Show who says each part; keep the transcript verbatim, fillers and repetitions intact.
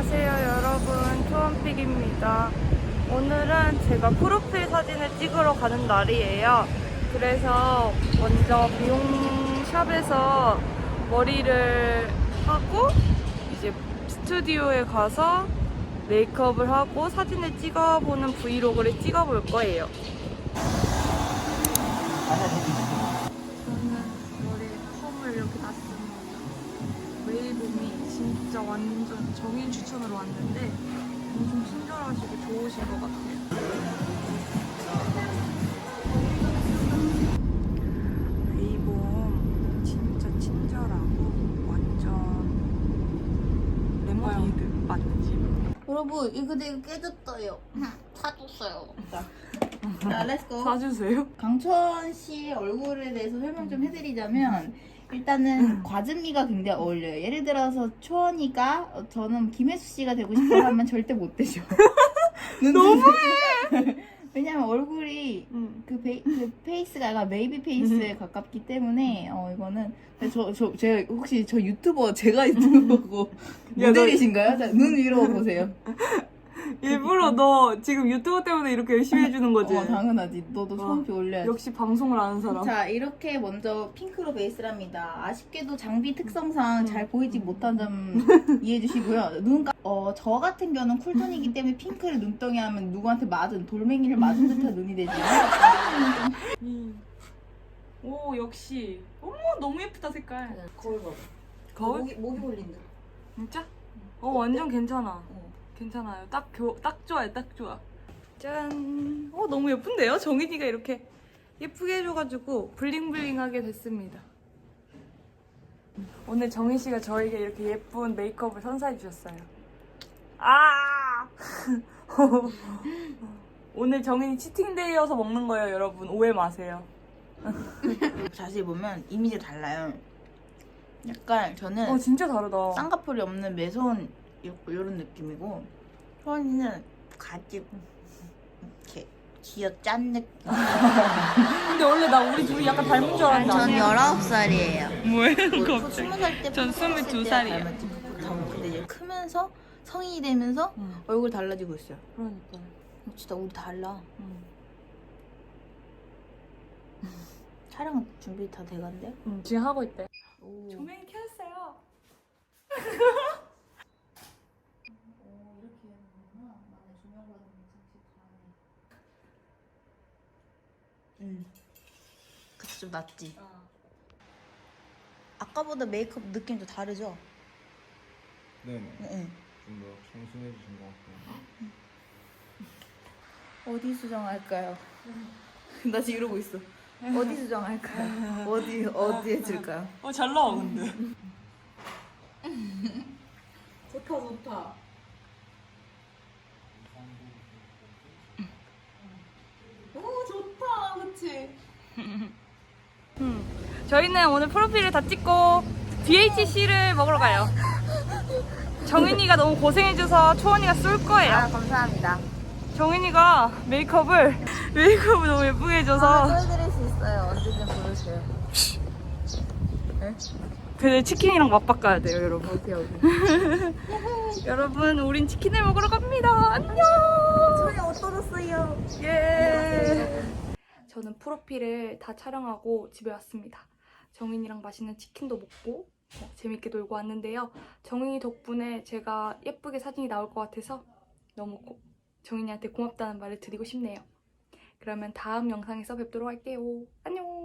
Speaker 1: 안녕하세요 여러분, 초원픽입니다. 오늘은 제가 프로필 사진을 찍으러 가는 날이에요. 그래서 먼저 미용샵에서 머리를 하고 이제 스튜디오에 가서 메이크업을 하고 사진을 찍어보는 브이로그를 찍어볼 거예요. 저는 머리에 펌을 이렇게 놨습니다. 웨이봄이 진짜 완전 정인 추천으로 왔는데 엄청 친절하시고 좋으신 것 같아요. 웨이봄 진짜 친절하고 완전 레모네이드 맛집.
Speaker 2: 여러분 이거 내가 깨졌어요. 사줬어요. 자, 자 렛츠고.
Speaker 1: 사주세요.
Speaker 2: 강천 씨 얼굴에 대해서 설명 좀 해드리자면 일단은 과즙미가 굉장히 어울려요. 예를 들어서 초원이가 어, 저는 김혜수 씨가 되고 싶어 하면 절대 못 되죠. 너무해. 왜냐면 얼굴이
Speaker 1: 응.
Speaker 2: 그, 베이, 그 페이스가 약간 베이비 페이스에 가깝기 때문에 어 이거는 저 저 제가 혹시 저 유튜버 제가 유튜버고
Speaker 1: 야,
Speaker 2: 모델이신가요? 자, 눈 위로 보세요.
Speaker 1: 일부러 너 지금 유튜브 때문에 이렇게 열심히 해주는 거지?
Speaker 2: 어 당연하지. 너도 소원표 올려야지.
Speaker 1: 역시 방송을 아는 사람.
Speaker 2: 자 이렇게 먼저 핑크로 베이스랍니다. 아쉽게도 장비 특성상 잘 보이지 못한 점 이해해 주시고요. 눈, 까- 어, 저 같은 경우는 쿨톤이기 때문에 핑크를 눈덩이 하면 누구한테 맞은 돌멩이를 맞은 듯한 눈이 되지.
Speaker 1: 음. 오 역시. 어머 너무 예쁘다 색깔.
Speaker 2: 거울 봐봐.
Speaker 1: 거울?
Speaker 2: 목이, 목이 볼린 듯.
Speaker 1: 진짜? 어 완전 괜찮아.
Speaker 2: 어.
Speaker 1: 괜찮아요. 딱, 교, 딱 좋아요. 딱 좋아. 짠. 어 너무 예쁜데요? 정인이가 이렇게 예쁘게 해줘가지고 블링블링하게 됐습니다. 오늘 정인 씨가 저에게 이렇게 예쁜 메이크업을 선사해 주셨어요. 아! 오늘 정인이 치팅데이여서 먹는 거예요, 여러분. 오해 마세요.
Speaker 2: 자세히 보면 이미지가 달라요. 약간 저는
Speaker 1: 어 진짜 다르다.
Speaker 2: 쌍꺼풀이 없는 매서운 이런 느낌이고 초원이는 가지 이렇게 쥐어 짠 느낌.
Speaker 1: 근데 원래 나 우리 둘이 약간 닮은 줄 알았는데
Speaker 2: 전
Speaker 1: 아니야.
Speaker 2: 열아홉 살이에요.
Speaker 1: 뭐예요,
Speaker 2: 스무 살 때.
Speaker 1: 전 스물두 살이에요.
Speaker 2: 근데 이제 크면서 성인이 되면서
Speaker 1: 응.
Speaker 2: 얼굴 달라지고 있어요.
Speaker 1: 그러니까.
Speaker 2: 진짜 우리 달라.
Speaker 1: 응.
Speaker 2: 촬영 준비 다 돼간대?
Speaker 1: 응, 지금 하고 있대.
Speaker 2: 오.
Speaker 1: 조명이 켜졌어요.
Speaker 2: 오, 이렇게 하는구나. 나는 조명 받으면 진짜 잘해. 응. 그치, 좀 낫지?
Speaker 1: 어.
Speaker 2: 아까보다 메이크업 느낌도 다르죠?
Speaker 3: 네네.
Speaker 2: 응.
Speaker 3: 좀 더 청순해지신 것 같아요.
Speaker 2: 어디 수정할까요? 나 지금 이러고 있어. 어디 수정할까요? 어디, 어디 해줄까요?
Speaker 1: 어, 잘 나와, 근데.
Speaker 2: 좋다, 좋다. 오, 좋다, 그치?
Speaker 1: 음. 저희는 오늘 프로필을 다 찍고 디에이치씨를 먹으러 가요. 정인이가 너무 고생해줘서 초원이가 쏠 거예요.
Speaker 2: 아, 감사합니다.
Speaker 1: 정인이가 메이크업을, 메이크업을 너무 예쁘게 해줘서.
Speaker 2: 보여드릴 수 있어요. 언제든 보여주세요.
Speaker 1: 근데 치킨이랑 맞바꿔야 돼요, 여러분.
Speaker 2: 오케이, 오케이.
Speaker 1: 여러분, 우린 치킨을 먹으러 갑니다. 안녕!
Speaker 2: 소리 옷 떨었어요.
Speaker 1: 예. 저는 프로필을 다 촬영하고 집에 왔습니다. 정인이랑 맛있는 치킨도 먹고 어, 재밌게 놀고 왔는데요. 정인이 덕분에 제가 예쁘게 사진이 나올 것 같아서 너무 고, 정인이한테 고맙다는 말을 드리고 싶네요. 그러면 다음 영상에서 뵙도록 할게요. 안녕!